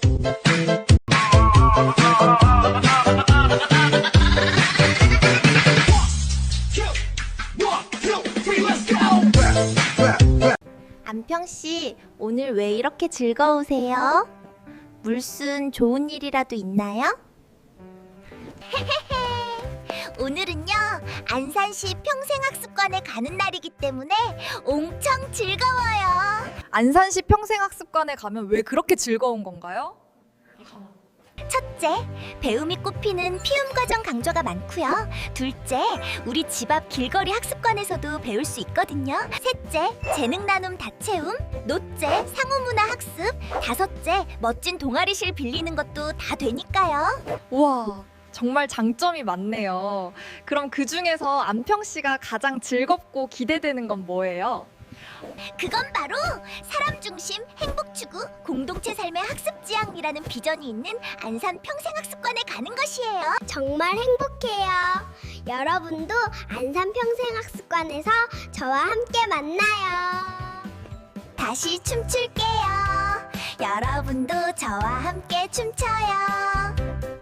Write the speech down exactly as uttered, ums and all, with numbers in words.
안평씨, 오늘 왜 이렇게 즐거우세요? 물순 좋은 일이라도 있나요? 오늘은요, 안산시 평생학습관에 가는 날이기 때문에 엄청 즐거워요. 안산시 평생학습관에 가면 왜 그렇게 즐거운 건가요? 첫째, 배움이 꽃피는 피움 과정 강좌가 많고요. 둘째, 우리 집 앞 길거리 학습관에서도 배울 수 있거든요. 셋째, 재능 나눔 다채움. 넷째, 상호문화 학습. 다섯째, 멋진 동아리실 빌리는 것도 다 되니까요. 우와, 정말 장점이 많네요. 그럼 그 중에서 안평 씨가 가장 즐겁고 기대되는 건 뭐예요? 그건 바로 사람 중심 행복 추구 공동체 삶의 학습 지향이라는 비전이 있는 안산 평생학습관에 가는 것이에요. 정말 행복해요. 여러분도 안산 평생학습관에서 저와 함께 만나요. 다시 춤출게요. 여러분도 저와 함께 춤춰요.